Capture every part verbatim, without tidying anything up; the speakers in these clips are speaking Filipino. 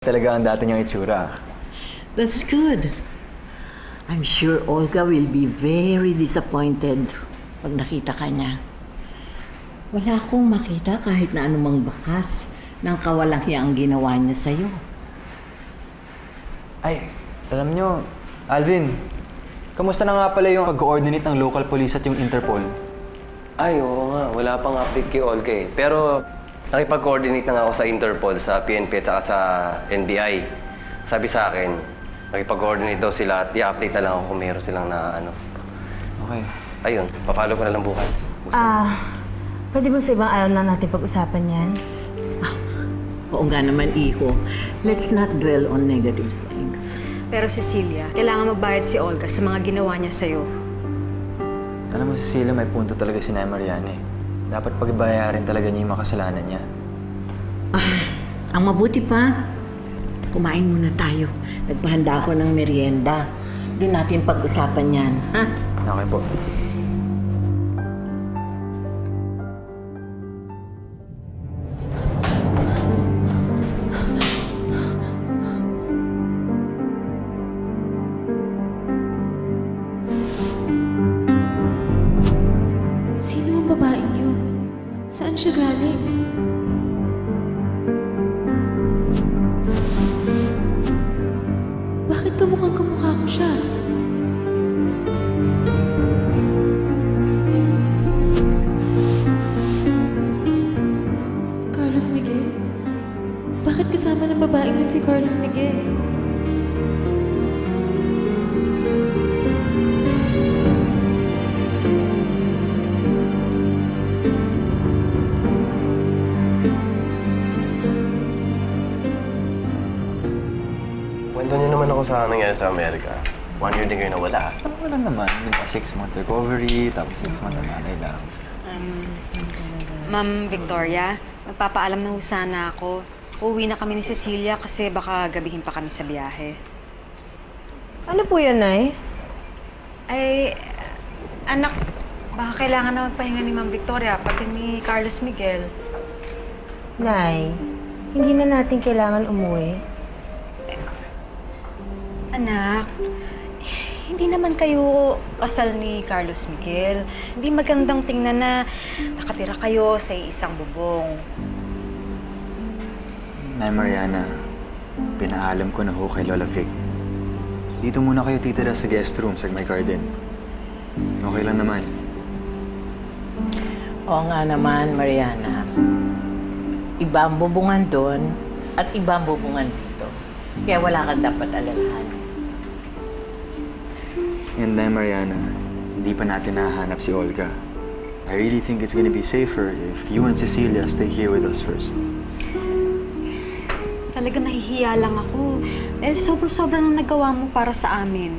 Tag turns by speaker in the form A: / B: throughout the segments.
A: Talaga ang dati niyang itsura.
B: That's good. I'm sure Olga will be very disappointed pag nakita ka niya. Wala akong makita kahit na anumang bakas ng kawalang hiyang ginawa niya sa'yo.
A: Ay, alam niyo, Alvin, kamusta na nga pala yung pag-coordinate ng local police at yung Interpol?
C: Ay, oo nga. Wala pang update kay Olga eh. Pero nakipag-coordinate na nga ako sa Interpol, sa P N P at saka sa N B I. Sabi sa akin, nakipag-coordinate daw sila at i-update na lang ako kung meron silang na ano.
A: Okay.
C: Ayun, papalo ko na lang bukas.
D: Ah, pwede ba sa ibang araw na natin pag-usapan yan?
B: Oo nga naman, Iho. Let's not dwell on negative things.
E: Pero Cecilia, kailangan magbayad si Olga sa mga ginawa niya sa'yo.
A: Alam mo, Cecilia, may punto talaga si Nay Mariana eh. Dapat pagbayarin talaga niya yung makasalanan niya.
B: Ah, ang mabuti pa, kumain muna tayo. Nagpahanda ako ng merienda. Doon natin pag-usapan yan, ha?
A: Okay po.
D: Sino ang babaeng yun? Saan siya galing? Bakit kamukhang kamukha ko siya? Si Carlos Miguel? Bakit kasama ng babaeng yun si Carlos Miguel?
C: Kwento niyo naman ako sa nangyari sa Amerika. One year din kayo nawala.
A: Ano wala naman? Diba, six months recovery, tapos six months ang nanay lang.
E: Um, Ma'am Victoria, magpapaalam na ho sana ako. Uuwi na kami ni Cecilia kasi baka gabihin pa kami sa biyahe.
D: Ano po yun, Nay?
E: Ay, anak, baka kailangan na magpahinga ni Ma'am Victoria, pati ni Carlos Miguel.
D: Nay, hindi na natin kailangan umuwi.
E: Anak, hindi naman kayo kasal ni Carlos Miguel. Hindi magandang tingnan na nakatira kayo sa isang bubong.
A: Nay Mariana, pinaalam ko na ho kay Lola Vic. Dito muna kayo titira sa guest room sa may garden. Okay lang naman.
B: Oo nga naman, Mariana. Iba ang bubungan doon at iba ang bubungan dito. Kaya wala kang dapat alalahanin.
A: And then, Mariana, hindi pa natin nahanap si Olga. I really think it's gonna be safer if you and Cecilia stay here with us first.
E: Talaga nahihiya lang ako. Eh, sobra-sobra nang nagawa mo para sa amin.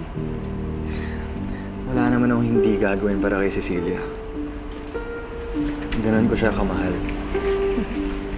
A: Wala naman akong hindi gagawin para kay Cecilia. Ganon ko siya kamahal.